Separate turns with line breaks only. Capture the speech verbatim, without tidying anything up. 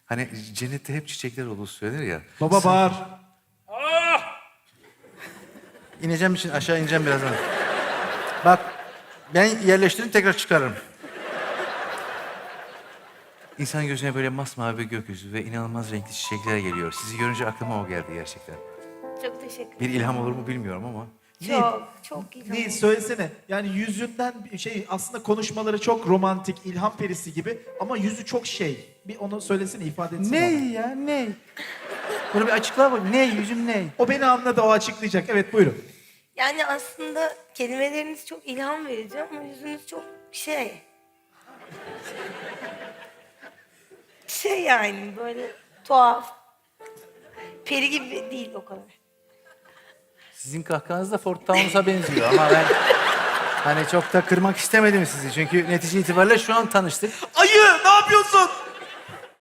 Hani cennette hep çiçekler olur söylenir ya.
Baba bağır.
İneceğim için aşağı ineceğim birazdan. Bak ben yerleştireyim tekrar çıkarırım.
İnsan gözüne böyle masmavi bir gökyüzü ve inanılmaz renkli çiçekler geliyor. Sizi görünce aklıma o geldi gerçekten.
Çok teşekkür ederim.
Bir ilham olur mu bilmiyorum ama.
Çok, çok iyi.
Neyi söylesene. Yani yüzünden şey aslında konuşmaları çok romantik, ilham perisi gibi ama yüzü çok şey. Bir onu söylesene, ifade etsene.
Ne
ona.
ya ne? Bunu bir açıkla bak. Ne yüzüm ne?
O beni anladı, o açıklayacak. Evet buyurun.
Yani aslında kelimeleriniz çok ilham verici ama yüzünüz çok şey. Şey yani böyle tuhaf. Peri gibi değil o kadar.
Sizin kahkahanız da Ford Taunus'a benziyor ama ben hani çok da kırmak istemedim sizi. Çünkü netice itibariyle şu an tanıştık.
Ayı ne yapıyorsun?